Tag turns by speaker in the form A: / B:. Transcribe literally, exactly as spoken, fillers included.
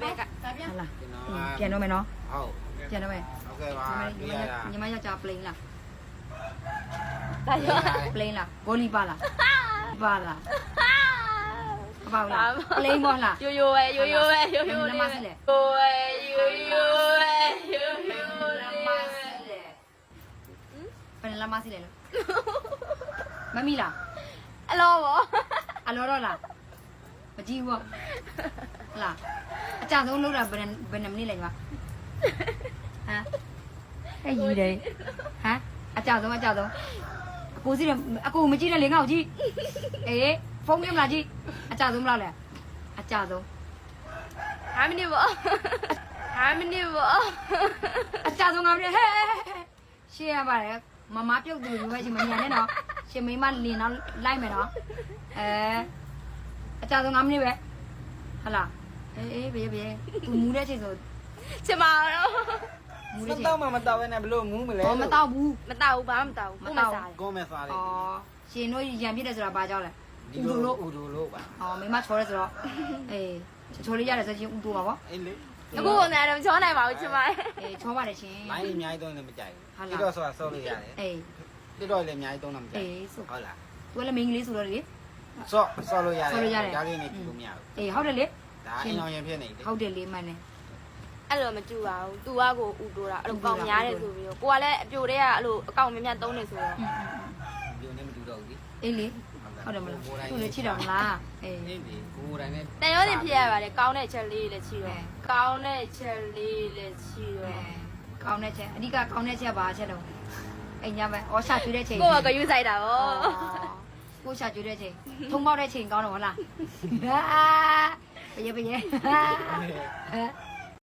A: ပဲက
B: ဟုတ်လားပြန်တော့မယ်နော်
C: ဟုတ်
B: ပြန်တော့မယ်
C: ဟုတ်ကဲ့ပါပြရတာ
B: ညီမယောက်ျား plain လား
A: ဒါရော
B: plain လားဂိုလီပါလားပါလားပါလား plain မောလား
A: ယိုယိုပဲယိုယိုပဲယိုယိုလေးပဲယိုပဲယိုယိုပဲယိုယိုလေးပဲ
B: ဘယ်နဲ့လာမစီလဲလို့မမီလား
A: အလောပေါ့
B: အလောတော့လားမကြည့်ဘူးဟလားအကြဆုံးလို့တာဘယ်ဘယ်နှမိနစ်လဲညီမဟမ်အဲ့ကြီးတယ်ဟမ်အကြဆုံးအကြဆုံးအကိုစီးတယ်အကိုမကြည့်နဲ့လေငါ့ကိုကြည့်အေးဖုန်းပြမလားကြည့်အကြဆုံးမလားလဲအကြဆုံး
A: ห้าမိနစ်ပေါ့ห้าမိနစ်ပေါ့
B: အကြဆုံးငါမင်းဟဲ့ရှေ့ရပါတယ်မမပြုတ်သူလူပဲရှင်မမြန်နဲ့နော်ရှင်မိမလင်းတော့လိုက်မယ်နော်အဲအကြဆုံးငါမိနစ်ပဲဟလားအေးအေးဘေးဘေးသူမူတဲ့အချိန်ဆို
A: ချင်ပါတော့
B: မူ
C: မ
B: တဲ့အချိန်
C: တော့မှမတော့ဘဲနဲ့ဘလို့မူးမလဲ
B: ဟောမတော့ဘူး
A: မတောက်ဘူးဘာမှမတောက်ဘူးကိုမစားတယ်
C: ကိုမဲစားလေ
B: ဩရှင်တို့ရံပြစ်တယ်ဆိုတာဘာကြောင့်လဲ
C: ဒီလိုလို့ဥဒူလို့ပါ
B: ဩမိမချောတယ်ဆိုတော့အေးချောလေးရတယ်ဆိုရှင်ဥတူပါဗော
C: အေးလေ
A: အခုကတော့ချောနိုင်ပါဘူးချင်ပါ
B: အေးချောပါတယ်ရှင်
C: လိုင်းအများကြီးသုံးလည်းမကြိုက်ဘူးတိတော့ဆိုတာဆော့လို့ရတယ်
B: အေး
C: တိတော့လည်းအများကြီးသုံးလည်းမကြိုက်
B: အေးဆို
C: ဟုတ်လား
B: သူကလည်းမိန်းကလေးဆိုတော့လေ
C: ဆော့ဆော့လို့ရတယ်ဒါလေးနဲ့ကြည့်လို့မရဘူး
B: အေးဟုတ်တယ်လေ
C: ဒါအင်းအောင်ရင်ဖြစ်နေတယ်
B: ဟုတ်တယ်လေးမှန်တယ်
A: အဲ့လိုမကြည့်ပါဘူးသူကကိုဥတိုးတာအဲ့လိုကောင်းများတယ်ဆိုပြီးတော့ကိုကလည်းအပြိုတွေကအဲ့လိုအကောင့်များများသုံးနေဆိုတော့
C: ဒီနေ့မတူတော့ဘူးဒီ
B: အေးလေဟုတ်တယ်မလားသူလည်းချစ်တော်မလားအေး
C: နေဒီကိုယ်တိုင်နဲ့
A: တန်ရောတင်ဖြစ်ရပါတယ်ကောင်းတဲ့ချက်လေးလည်းချီတော့ကောင်းတဲ့ချက်လေးလည်းချီတော့
B: ကောင်းတဲ့ချက်အဓိကကောင်းတဲ့ချက်ပါချက်တော့အိမ်ညပဲဩရှာကျွေးတဲ့ချိန်
A: ကိုကကယူဆိုင်တာဗော
B: ကိုရှာကျွေးတဲ့ချိန်ထုံပေါက်တဲ့ချိန်ကောင်းတော့ဟုတ်လားဟာဘယေဘယေဟမ်